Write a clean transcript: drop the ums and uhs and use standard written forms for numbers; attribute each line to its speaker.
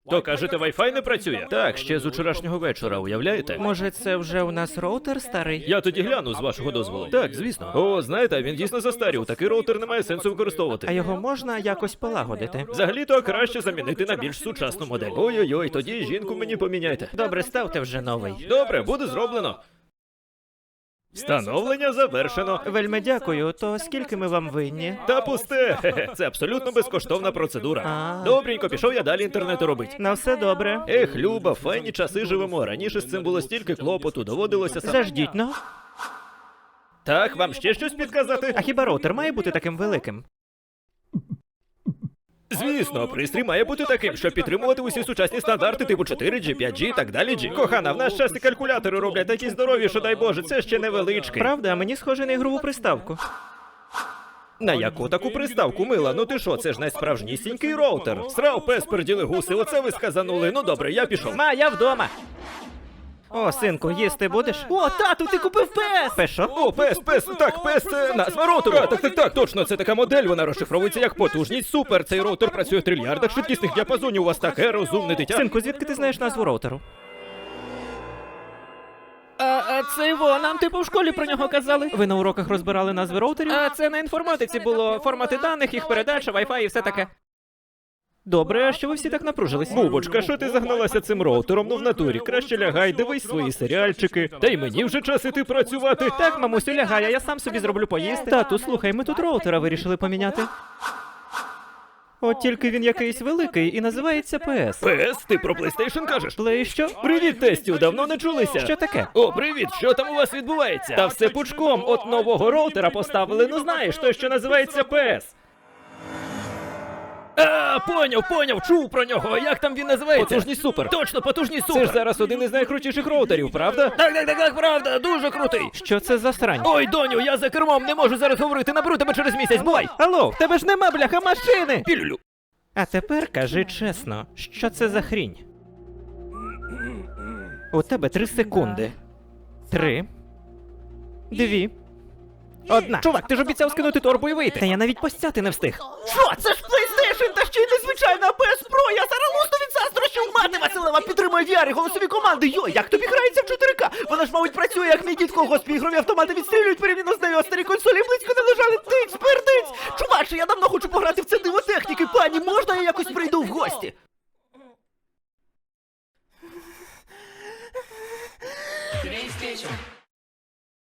Speaker 1: То кажете, Wi-Fi не працює? Так, ще з учорашнього вечора, уявляєте?
Speaker 2: Може, це вже у нас роутер старий?
Speaker 1: Я тоді гляну, з вашого дозволу. Так, звісно. О, знаєте, він дійсно застарів. Такий роутер немає сенсу використовувати.
Speaker 2: А його можна якось полагодити?
Speaker 1: Взагалі-то краще замінити на більш сучасну модель. Ой-ой-ой, тоді жінку мені поміняйте.
Speaker 2: Добре, ставте вже новий.
Speaker 1: Добре, буде зроблено. Встановлення завершено.
Speaker 2: Вельми дякую. То скільки ми вам винні?
Speaker 1: Та пусте. Хе-хе. Це абсолютно безкоштовна процедура.
Speaker 2: А.
Speaker 1: Добренько, пішов я далі інтернету робить.
Speaker 2: На все добре.
Speaker 1: Ех, Люба, файні часи живемо. Раніше з цим було стільки клопоту, доводилося сам.
Speaker 2: Заждіть, ну.
Speaker 1: Так, вам ще щось підказати?
Speaker 2: А хіба роутер має бути таким великим?
Speaker 1: Звісно, пристрій має бути таким, щоб підтримувати усі сучасні стандарти типу 4G, 5G і так далі. G. Кохана, в нас час і калькулятори роблять такі здорові, що дай Боже, це ще невеличкий.
Speaker 2: Правда, мені схоже на ігрову приставку.
Speaker 1: На яку таку приставку, мила? Ну ти що, це ж найсправжнісінький роутер. Срав пес, перділи гуси, оце ви сказанули. Ну добре, я пішов.
Speaker 2: Ма, я вдома. О, синку, їсти будеш? О, тату, ти купив пес! Пес що?
Speaker 1: О, пес, так, пес це назва роутеру. Так, точно, це така модель, вона розшифровується як потужність. Супер, цей роутер працює в трильярдах швидкісних діапазонів, у вас таке розумне дитя.
Speaker 2: Синку, звідки ти знаєш назву роутеру? А це його, нам типу в школі про нього казали. Ви на уроках розбирали назви роутерів? А це на інформатиці було формати даних, їх передача, Wi-Fi і все таке. Добре, а що ви всі так напружились?
Speaker 1: Бубочка, що ти загналася цим роутером? Ну в натурі, краще лягай, дивись свої серіальчики. Та й мені вже час іти працювати.
Speaker 2: Так, мамусю, лягай, а я сам собі зроблю поїсти. Тату, слухай, ми тут роутера вирішили поміняти. От тільки він якийсь великий і називається PS.
Speaker 1: Пес, ти про PlayStation кажеш?
Speaker 2: Плей що?
Speaker 1: Привіт, тестю, давно не чулися.
Speaker 2: Що таке?
Speaker 1: О, привіт, що там у вас відбувається? Та все пучком, от нового роутера поставили, ну знаєш, той, що називається PS. А, поняв, чув про нього. Як там він називається? Потужність супер. Точно, потужність супер. Це ж зараз один із найкрутіших роутерів, правда? Так, правда, дуже крутий.
Speaker 2: Що це за срань?
Speaker 1: Ой, доню, я за кермом, не можу зараз говорити, наберу тебе через місяць, бувай.
Speaker 2: Алло, в тебе ж нема, бляха, машини!
Speaker 1: Пілюлю.
Speaker 2: А тепер кажи чесно, що це за хрінь? У тебе 3 секунди. 3. 2. 1. Чувак, ти ж обіцяв скинути торбу і вийти. Та я навіть постяти не встиг. Що? Це ж PlayStation, та ще й незвичайна PS Pro! Я зараз лусну від заздрощів! Мати Василева підтримує VR і голосові команди! Йой, як тобі грається в 4К? Вона ж, мабуть, працює, як мій дід в колгоспі, ігрові автомати відстрілюють порівняно з нею, а старі консолі близько не лежали. Тиць, пердиць! Чуваче, я давно хочу пограти в це диво техніки, пані, можна я якось прийду в гості?